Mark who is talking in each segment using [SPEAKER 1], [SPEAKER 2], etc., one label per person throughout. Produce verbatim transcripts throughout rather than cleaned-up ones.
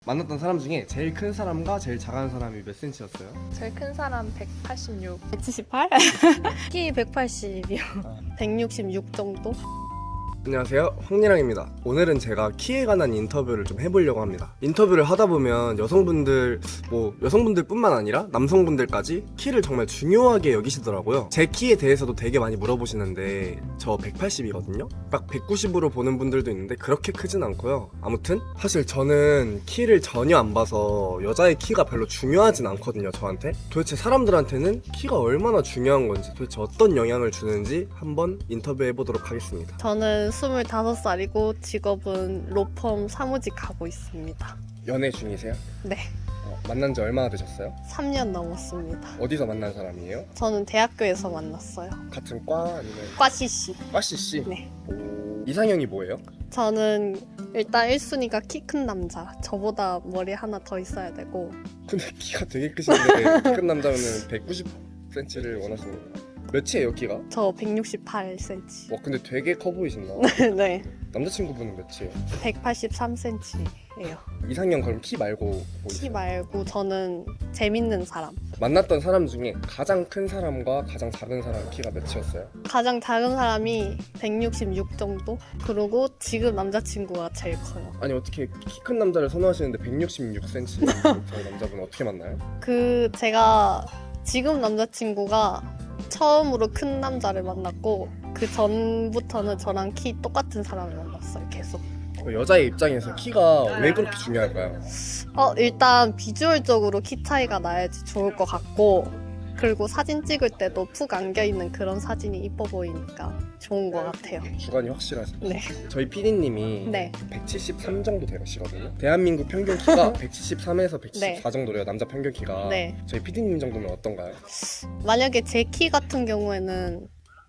[SPEAKER 1] 만났던 사람 중에 제일 큰 사람과 제일 작은 사람이 몇 센치였어요?
[SPEAKER 2] 제일 큰 사람 백팔십육.
[SPEAKER 3] 백칠십팔? 키 백팔십이요.
[SPEAKER 1] 아.
[SPEAKER 3] 백육십육 정도?
[SPEAKER 1] 안녕하세요, 황리랑입니다. 오늘은 제가 키에 관한 인터뷰를 좀 해보려고 합니다. 인터뷰를 하다 보면 여성분들, 뭐 여성분들 뿐만 아니라 남성분들까지 키를 정말 중요하게 여기시더라고요. 제 키에 대해서도 되게 많이 물어보시는데 저 백팔십이거든요? 딱 백구십으로 보는 분들도 있는데 그렇게 크진 않고요. 아무튼 사실 저는 키를 전혀 안 봐서 여자의 키가 별로 중요하진 않거든요, 저한테. 도대체 사람들한테는 키가 얼마나 중요한 건지, 도대체 어떤 영향을 주는지 한번 인터뷰해보도록 하겠습니다.
[SPEAKER 3] 저는 스물다섯 살이고 직업은 로펌 사무직 하고 있습니다.
[SPEAKER 1] 연애 중이세요?
[SPEAKER 3] 네,
[SPEAKER 1] 어, 만난 지 얼마나 되셨어요?
[SPEAKER 3] 삼 년 넘었습니다.
[SPEAKER 1] 어디서 만난 사람이에요?
[SPEAKER 3] 저는 대학교에서 만났어요.
[SPEAKER 1] 같은 과 아니면
[SPEAKER 3] 과 씨씨.
[SPEAKER 1] 과씨씨?
[SPEAKER 3] 네.
[SPEAKER 1] 오, 이상형이 뭐예요?
[SPEAKER 3] 저는 일단 일 순위가 키 큰 남자. 저보다 머리 하나 더 있어야 되고.
[SPEAKER 1] 근데 키가 되게 크신데 키 큰 남자면 백구십 센티미터를 원하시는 거예요? 몇이에요 키가?
[SPEAKER 3] 저 백육십팔 센티미터.
[SPEAKER 1] 와 근데 되게 커 보이신다.
[SPEAKER 3] 네,
[SPEAKER 1] 남자친구분은 몇이에요?
[SPEAKER 3] 백팔십삼 센티미터예요.
[SPEAKER 1] 이상형 그럼 키 말고 뭐
[SPEAKER 3] 키
[SPEAKER 1] 있어요?
[SPEAKER 3] 말고 저는 재밌는 사람.
[SPEAKER 1] 만났던 사람 중에 가장 큰 사람과 가장 작은 사람 키가 몇이었어요?
[SPEAKER 3] 가장 작은 사람이 백육십육 정도? 그리고 지금 남자친구가 제일 커요.
[SPEAKER 1] 아니 어떻게 키 큰 남자를 선호하시는데 백육십육 센티미터 저희 남자분은 어떻게 만나요?
[SPEAKER 3] 그 제가 지금 남자친구가 처음으로 큰 남자를 만났고 그 전부터는 저랑 키 똑같은 사람을 만났어요. 계속.
[SPEAKER 1] 여자의 입장에서 키가 왜 그렇게 중요할까요?
[SPEAKER 3] 어 일단 비주얼적으로 키 차이가 나야지 좋을 것 같고, 그리고 사진 찍을 때도 푹 안겨있는 그런 사진이 이뻐 보이니까 좋은 것 같아요.
[SPEAKER 1] 주관이 확실하시죠?
[SPEAKER 3] 네.
[SPEAKER 1] 저희 피디님이
[SPEAKER 3] 네.
[SPEAKER 1] 백칠십삼 정도 되시거든요. 대한민국 평균 키가 백칠십삼에서 백칠십사
[SPEAKER 3] 네.
[SPEAKER 1] 정도래요. 남자 평균 키가.
[SPEAKER 3] 네.
[SPEAKER 1] 저희 피디님 정도면 어떤가요?
[SPEAKER 3] 만약에 제 키 같은 경우에는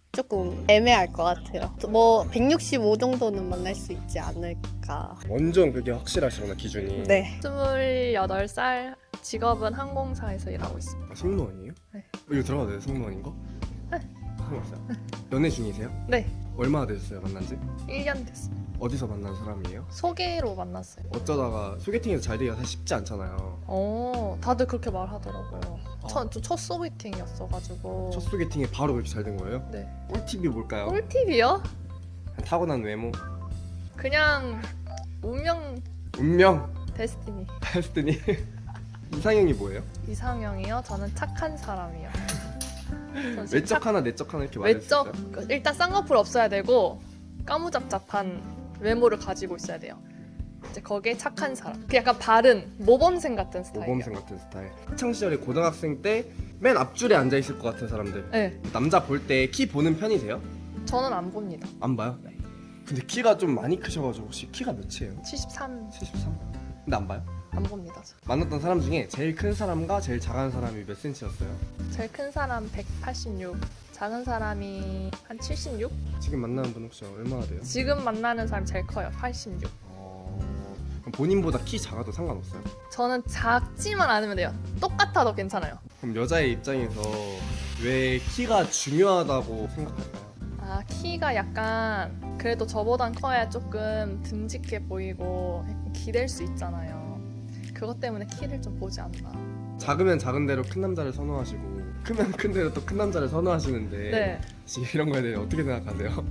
[SPEAKER 3] 조금 애매할 것 같아요. 뭐 백육십오 정도는 만날 수 있지 않을까.
[SPEAKER 1] 완전 그게 확실하시구나 기준이.
[SPEAKER 3] 네.
[SPEAKER 2] 스물여덟 살, 직업은 항공사에서 일하고 있습니다.
[SPEAKER 1] 아, 승무원이에요?
[SPEAKER 2] 네.
[SPEAKER 1] 어, 이거 들어가도 돼요? 승무원인 거?
[SPEAKER 2] 네.
[SPEAKER 1] 상관없어요? 연애 중이세요?
[SPEAKER 2] 네,
[SPEAKER 1] 얼마나 되셨어요 만난 지?
[SPEAKER 2] 일 년 됐어요.
[SPEAKER 1] 어디서 만난 사람이에요?
[SPEAKER 2] 소개로 만났어요.
[SPEAKER 1] 어쩌다가 소개팅에서 잘 되기가 사실 쉽지 않잖아요.
[SPEAKER 2] 어, 다들 그렇게 말하더라고요.
[SPEAKER 1] 아.
[SPEAKER 2] 첫, 첫 소개팅이었어가지고.
[SPEAKER 1] 첫 소개팅에 바로 그렇게 잘 된 거예요?
[SPEAKER 2] 네.
[SPEAKER 1] 꿀팁이 뭘까요?
[SPEAKER 2] 꿀팁이요?
[SPEAKER 1] 타고난 외모,
[SPEAKER 2] 그냥 운명
[SPEAKER 1] 운명,
[SPEAKER 2] 데스티니.
[SPEAKER 1] 데스티니. 이상형이 뭐예요?
[SPEAKER 2] 이상형이요? 저는 착한 사람이요. 전 진짜
[SPEAKER 1] 외적 하나 내적 하나 이렇게 말할 수
[SPEAKER 2] 외적,
[SPEAKER 1] 있어요?
[SPEAKER 2] 일단 쌍꺼풀 없어야 되고 까무잡잡한 외모를 가지고 있어야 돼요. 이제 거기에 착한 사람. 그 약간 바른 모범생 같은 스타일이요.
[SPEAKER 1] 모범생 같은 스타일. 학창 시절에 고등학생 때 맨 앞줄에 앉아 있을 것 같은 사람들.
[SPEAKER 2] 네,
[SPEAKER 1] 남자 볼 때 키 보는 편이세요?
[SPEAKER 2] 저는 안 봅니다.
[SPEAKER 1] 안 봐요?
[SPEAKER 2] 네.
[SPEAKER 1] 근데 키가 좀 많이 크셔가지고 혹시 키가 몇이에요?
[SPEAKER 2] 칠십삼
[SPEAKER 1] 칠십삼? 근데 안 봐요?
[SPEAKER 2] 안 봅니다. 저.
[SPEAKER 1] 만났던 사람 중에 제일 큰 사람과 제일 작은 사람이 몇 센치였어요?
[SPEAKER 2] 제일 큰 사람 백팔십육, 작은 사람이 한 칠십육?
[SPEAKER 1] 지금 만나는 분 혹시 얼마나 돼요?
[SPEAKER 2] 지금 만나는 사람이 제일 커요. 팔십육.
[SPEAKER 1] 어... 그럼 본인보다 키 작아도 상관없어요?
[SPEAKER 2] 저는 작지만 않으면 돼요. 똑같아도 괜찮아요.
[SPEAKER 1] 그럼 여자의 입장에서 왜 키가 중요하다고 생각할까요?
[SPEAKER 2] 아, 키가 약간 그래도 저보단 커야 조금 듬직해 보이고 약간 기댈 수 있잖아요. 그것 때문에 키를 좀 보지 않나.
[SPEAKER 1] 작으면 작은 대로 큰 남자를 선호하시고 크면 큰 대로 또 큰 남자를 선호하시는데
[SPEAKER 2] 네.
[SPEAKER 1] 혹시 이런 거에 대해 어떻게 생각하세요?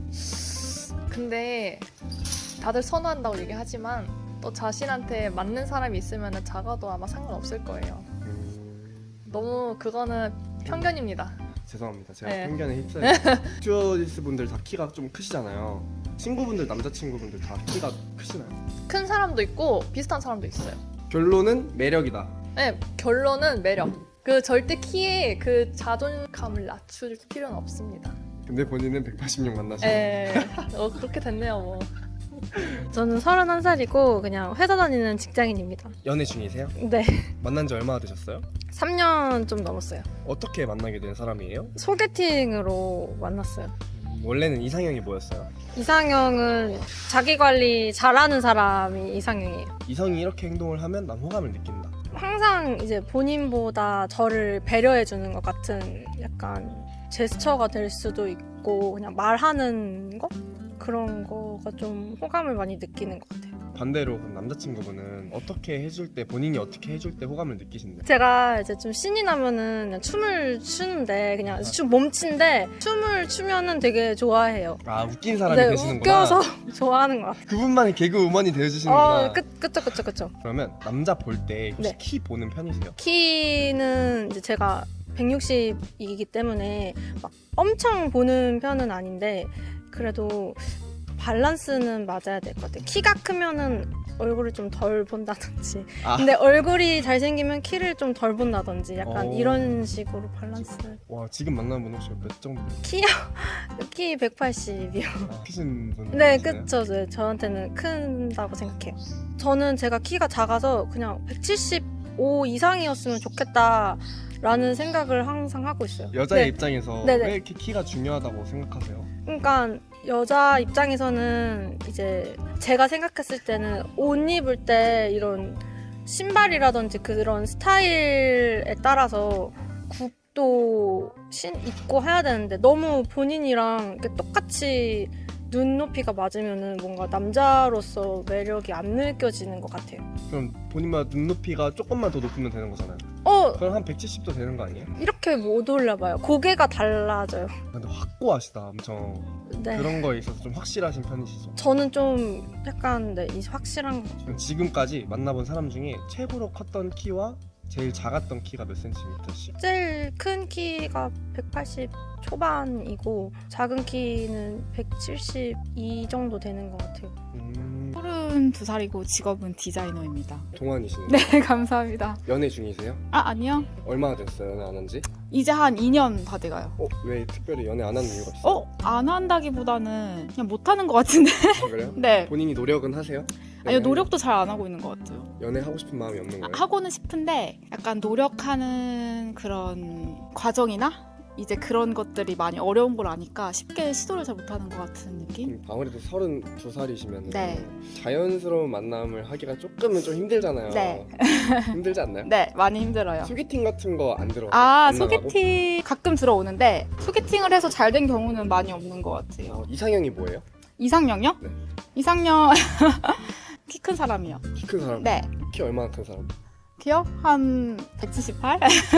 [SPEAKER 2] 근데 다들 선호한다고 얘기하지만 또 자신한테 맞는 사람이 있으면 작아도 아마 상관없을 거예요.
[SPEAKER 1] 음...
[SPEAKER 2] 너무 그거는 편견입니다.
[SPEAKER 1] 죄송합니다. 제가
[SPEAKER 2] 네.
[SPEAKER 1] 편견에 휩싸여. 스튜어디스 분들 다 키가 좀 크시잖아요. 친구분들, 남자친구분들 다 키가 크시나요?
[SPEAKER 2] 큰 사람도 있고 비슷한 사람도 있어요.
[SPEAKER 1] 결론은 매력이다.
[SPEAKER 2] 네, 결론은 매력. 그 절대 키에 그 자존감을 낮출 필요는 없습니다.
[SPEAKER 1] 근데 본인은 백팔십육 만나시고
[SPEAKER 2] 에, 어, 그렇게 됐네요, 뭐.
[SPEAKER 4] 저는 서른한 살이고 그냥 회사 다니는 직장인입니다.
[SPEAKER 1] 연애 중이세요?
[SPEAKER 4] 네.
[SPEAKER 1] 만난 지 얼마나 되셨어요?
[SPEAKER 4] 삼 년 좀 넘었어요.
[SPEAKER 1] 어떻게 만나게 된 사람이에요?
[SPEAKER 4] 소개팅으로 만났어요.
[SPEAKER 1] 음, 원래는 이상형이 뭐였어요?
[SPEAKER 4] 이상형은 자기 관리 잘하는 사람이 이상형이에요.
[SPEAKER 1] 이성이 이렇게 행동을 하면 난 호감을 느낀다.
[SPEAKER 4] 항상 이제 본인보다 저를 배려해 주는 것 같은 약간 제스처가 될 수도 있고 그냥 말하는 거? 그런 거가 좀 호감을 많이 느끼는 것 같아요.
[SPEAKER 1] 반대로 그럼 남자친구분은 어떻게 해줄 때 본인이 어떻게 해줄 때 호감을 느끼신대?
[SPEAKER 4] 제가 이제 좀 신이 나면은 그냥 춤을 추는데 그냥 춤 몸치인데 춤을 추면은 되게 좋아해요.
[SPEAKER 1] 아 웃긴 사람이
[SPEAKER 4] 네,
[SPEAKER 1] 되시는구나.
[SPEAKER 4] 웃겨서 좋아하는 것 같아요.
[SPEAKER 1] 그분만이 개그 우먼이 되어주시는구나.
[SPEAKER 4] 어, 그, 그쵸 그쵸 그쵸.
[SPEAKER 1] 그러면 남자 볼 때 혹시
[SPEAKER 4] 네.
[SPEAKER 1] 키 보는 편이세요?
[SPEAKER 4] 키는 이제 제가 백육십이기 때문에 막 엄청 보는 편은 아닌데 그래도 밸런스는 맞아야 될 것 같아요. 키가 크면은 얼굴을 좀 덜 본다든지
[SPEAKER 1] 아.
[SPEAKER 4] 근데 얼굴이 잘생기면 키를 좀 덜 본다든지 약간
[SPEAKER 1] 오.
[SPEAKER 4] 이런 식으로 밸런스를.
[SPEAKER 1] 와 지금 만나는 분 혹시 몇 정도
[SPEAKER 4] 키요? 키 백팔십이요.
[SPEAKER 1] 아, 크신 분?
[SPEAKER 4] 네,
[SPEAKER 1] 계시나요?
[SPEAKER 4] 그쵸. 네, 저한테는 큰다고 생각해요. 저는 제가 키가 작아서 그냥 백칠십오 이상이었으면 좋겠다라는 생각을 항상 하고 있어요.
[SPEAKER 1] 여자의
[SPEAKER 4] 네.
[SPEAKER 1] 입장에서
[SPEAKER 4] 네네.
[SPEAKER 1] 왜 이렇게 키가 중요하다고 생각하세요?
[SPEAKER 4] 그러니까 여자 입장에서는 이제 제가 생각했을 때는 옷 입을 때 이런 신발이라든지 그런 스타일에 따라서 굽도 신 입고 해야 되는데 너무 본인이랑 이렇게 똑같이 눈높이가 맞으면은 뭔가 남자로서 매력이 안 느껴지는 것 같아요.
[SPEAKER 1] 그럼 본인만 눈높이가 조금만 더 높으면 되는 거잖아요.
[SPEAKER 4] 어,
[SPEAKER 1] 그럼 한 백칠십도 되는 거 아니에요?
[SPEAKER 4] 이렇게 못 올려봐요. 고개가 달라져요.
[SPEAKER 1] 근데 확고하시다 엄청.
[SPEAKER 4] 네.
[SPEAKER 1] 그런 거에 있어서 좀 확실하신 편이시죠?
[SPEAKER 4] 저는 좀 약간 네, 이 확실한 거.
[SPEAKER 1] 그럼 지금까지 만나본 사람 중에 최고로 컸던 키와 제일 작았던 키가 몇 센티미터씩?
[SPEAKER 4] 제일 큰 키가 백팔십 초반이고 작은 키는 백칠십이 정도 되는 것 같아요.
[SPEAKER 1] 음,
[SPEAKER 5] 서른두 살이고 직업은 디자이너입니다.
[SPEAKER 1] 동안이시네요.
[SPEAKER 5] 네, 감사합니다.
[SPEAKER 1] 연애 중이세요?
[SPEAKER 5] 아, 아니요.
[SPEAKER 1] 얼마나 됐어요 연애 안 한지?
[SPEAKER 5] 이제 한 이 년 다 돼가요.
[SPEAKER 1] 어? 왜 특별히 연애 안 하는 이유가 있어요?
[SPEAKER 5] 어? 안 한다기보다는 그냥 못하는 것 같은데?
[SPEAKER 1] 아, 그래요?
[SPEAKER 5] 네.
[SPEAKER 1] 본인이 노력은 하세요?
[SPEAKER 5] 아니요,
[SPEAKER 1] 연애-
[SPEAKER 5] 노력도 잘 안 하고 있는 것 같아요.
[SPEAKER 1] 연애하고 싶은 마음이 없는
[SPEAKER 5] 아,
[SPEAKER 1] 거예요?
[SPEAKER 5] 하고는 싶은데 약간 노력하는 그런 과정이나 이제 그런 것들이 많이 어려운 걸 아니까 쉽게 시도를 잘 못하는 것 같은 느낌?
[SPEAKER 1] 음, 아무래도 서른두 살이시면
[SPEAKER 5] 네.
[SPEAKER 1] 자연스러운 만남을 하기가 조금은 좀 힘들잖아요.
[SPEAKER 5] 네.
[SPEAKER 1] 힘들지 않나요?
[SPEAKER 5] 네, 많이 힘들어요.
[SPEAKER 1] 소개팅 같은 거 안 들어?
[SPEAKER 5] 아,
[SPEAKER 1] 안 나가고?
[SPEAKER 5] 소개팅 가끔 들어오는데 소개팅을 해서 잘 된 경우는 많이 없는 것 같아요.
[SPEAKER 1] 어, 이상형이 뭐예요?
[SPEAKER 5] 이상형요?
[SPEAKER 1] 네.
[SPEAKER 5] 이상형 키 큰 사람이요.
[SPEAKER 1] 키 큰 사람?
[SPEAKER 5] 네.
[SPEAKER 1] 키 얼마나 큰 사람?
[SPEAKER 5] 키요? 한 백칠십팔?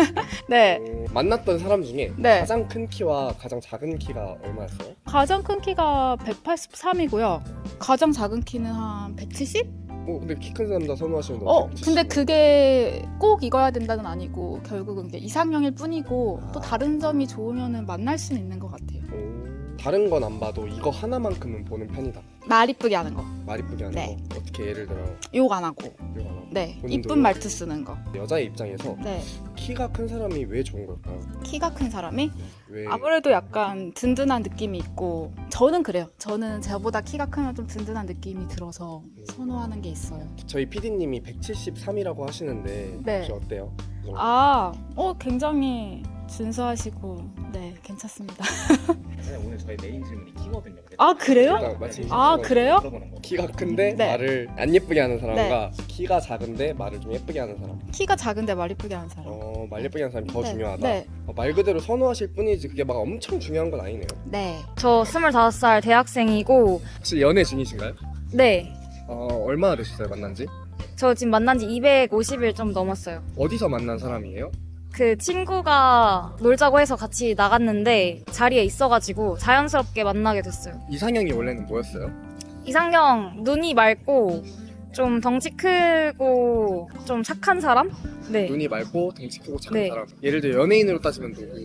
[SPEAKER 5] 네.
[SPEAKER 1] 어, 만났던 사람 중에
[SPEAKER 5] 네.
[SPEAKER 1] 가장 큰 키와 가장 작은 키가 얼마였어요?
[SPEAKER 5] 가장 큰 키가 백팔십삼이고요. 가장 작은 키는 한 백칠십?
[SPEAKER 1] 어 근데 키 큰 남자 선호하시는데
[SPEAKER 5] 어,
[SPEAKER 1] 어떻게
[SPEAKER 5] 근데
[SPEAKER 1] 백칠십이에요?
[SPEAKER 5] 그게 꼭 이거야 된다는 아니고 결국은 이게 이상형일 뿐이고 또
[SPEAKER 1] 아.
[SPEAKER 5] 다른 점이 좋으면 만날 수는 있는 것 같아요.
[SPEAKER 1] 오, 다른 건 안 봐도 이거 하나만큼은 보는 편이다.
[SPEAKER 5] 말 이쁘게 하는 거.
[SPEAKER 1] 말 이쁘게 하는
[SPEAKER 5] 네.
[SPEAKER 1] 거. 어떻게 예를 들어
[SPEAKER 5] 욕 안 하고.
[SPEAKER 1] 이거 하나.
[SPEAKER 5] 네.
[SPEAKER 1] 본인도요?
[SPEAKER 5] 이쁜 말투 쓰는 거.
[SPEAKER 1] 여자의 입장에서
[SPEAKER 5] 네.
[SPEAKER 1] 키가 큰 사람이 왜 좋은 걸까요?
[SPEAKER 5] 키가 큰 사람이
[SPEAKER 1] 왜?
[SPEAKER 5] 아무래도 약간 든든한 느낌이 있고 저는 그래요. 저는 저보다 키가 크면 좀 든든한 느낌이 들어서 선호하는 게 있어요.
[SPEAKER 1] 저희 피디님이 백칠십삼이라고 하시는데
[SPEAKER 5] 네.
[SPEAKER 1] 혹시 어때요? 그 정도?
[SPEAKER 5] 아, 어 굉장히 준수하시고 네 괜찮습니다.
[SPEAKER 6] 사실 오늘 저희 메인 질문이 키거든요. 근데
[SPEAKER 5] 아 그래요?
[SPEAKER 1] 일단 마침
[SPEAKER 5] 아 그래요?
[SPEAKER 6] 물어보는 거.
[SPEAKER 1] 키가 큰데
[SPEAKER 5] 네.
[SPEAKER 1] 말을 안 예쁘게 하는 사람과 키가 작은데 말을 좀 예쁘게 하는 사람.
[SPEAKER 5] 키가 작은데 말 이쁘게 하는 사람.
[SPEAKER 1] 어, 말 예쁘게 하는 사람이 더
[SPEAKER 5] 네,
[SPEAKER 1] 중요하다.
[SPEAKER 5] 네.
[SPEAKER 1] 어, 말 그대로 선호하실 뿐이지 그게 막 엄청 중요한 건 아니네요.
[SPEAKER 5] 네.
[SPEAKER 7] 저 스물다섯 살 대학생이고,
[SPEAKER 1] 혹시 연애 중이신가요?
[SPEAKER 7] 네.
[SPEAKER 1] 어, 얼마나 되셨어요 만난지?
[SPEAKER 7] 저 지금 만난 지 이백오십 일 좀 넘었어요.
[SPEAKER 1] 어디서 만난 사람이에요?
[SPEAKER 7] 그 친구가 놀자고 해서 같이 나갔는데 자리에 있어가지고 자연스럽게 만나게 됐어요.
[SPEAKER 1] 이상형이 원래는 뭐였어요?
[SPEAKER 7] 이상형, 눈이 맑고, 좀 덩치 크고, 좀 착한 사람? 네.
[SPEAKER 1] 눈이 맑고 덩치 크고 착한
[SPEAKER 7] 네.
[SPEAKER 1] 사람. 예를 들어 연예인으로 따지면 누구?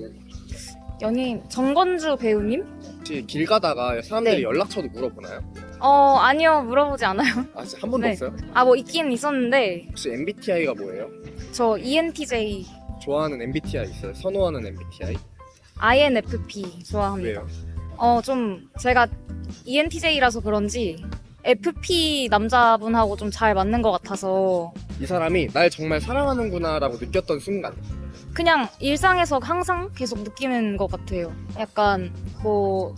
[SPEAKER 7] 연예인, 정건주 배우님?
[SPEAKER 1] 혹시 길 가다가 사람들이
[SPEAKER 7] 네.
[SPEAKER 1] 연락처도 물어보나요?
[SPEAKER 7] 어, 아니요. 물어보지 않아요.
[SPEAKER 1] 아 진짜 한 번도
[SPEAKER 7] 네.
[SPEAKER 1] 없어요?
[SPEAKER 7] 아, 뭐 있긴 있었는데,
[SPEAKER 1] 혹시 엠비티아이가 뭐예요?
[SPEAKER 7] 저 이엔티제이,
[SPEAKER 1] 좋아하는 엠비티아이 있어요? 선호하는 엠비티아이?
[SPEAKER 7] 아이엔에프피 좋아합니다.
[SPEAKER 1] 왜요?
[SPEAKER 7] 어, 좀 제가 이엔티제이라서 그런지 에프피 남자분하고 좀 잘 맞는 것 같아서
[SPEAKER 1] 이 사람이 날 정말 사랑하는구나 라고 느꼈던 순간.
[SPEAKER 7] 그냥 일상에서 항상 계속 느끼는 것 같아요. 약간 뭐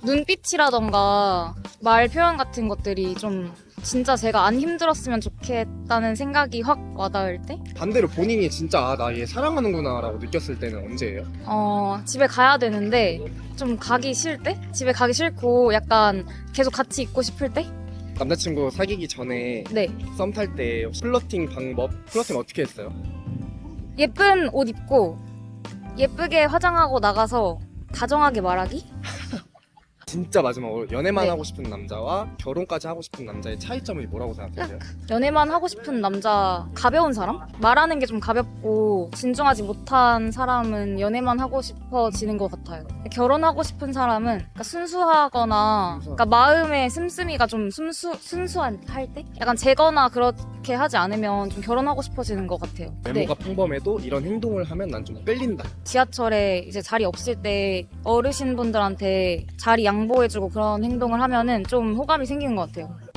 [SPEAKER 7] 눈빛이라던가 말 표현 같은 것들이 좀 진짜 제가 안 힘들었으면 좋겠다는 생각이 확 와닿을 때?
[SPEAKER 1] 반대로 본인이 진짜 아, 나 얘 사랑하는구나 라고 느꼈을 때는 언제예요?
[SPEAKER 7] 어, 집에 가야 되는데 좀 가기 싫을 때? 집에 가기 싫고 약간 계속 같이 있고 싶을 때?
[SPEAKER 1] 남자친구 사귀기 전에
[SPEAKER 7] 네.
[SPEAKER 1] 썸 탈 때 플러팅 방법, 플러팅 어떻게 했어요?
[SPEAKER 7] 예쁜 옷 입고 예쁘게 화장하고 나가서 다정하게 말하기?
[SPEAKER 1] 진짜 마지막으로 연애만
[SPEAKER 7] 네.
[SPEAKER 1] 하고 싶은 남자와 결혼까지 하고 싶은 남자의 차이점이 뭐라고 생각하세요?
[SPEAKER 7] 연애만 하고 싶은 남자, 가벼운 사람? 말하는 게 좀 가볍고 진중하지 못한 사람은 연애만 하고 싶어지는 것 같아요. 결혼하고 싶은 사람은 그러니까 순수하거나 그러니까 마음의 씀씀이가 좀 순수, 순수한 할 때? 약간 제거나 그렇게 하지 않으면 좀 결혼하고 싶어지는 것 같아요.
[SPEAKER 1] 외모가 평범해도 이런 행동을 하면 난 좀 끌린다.
[SPEAKER 7] 지하철에 이제 자리 없을 때 어르신분들한테 자리 양보해주고 그런 행동을 하면은 좀 호감이 생기는 것 같아요.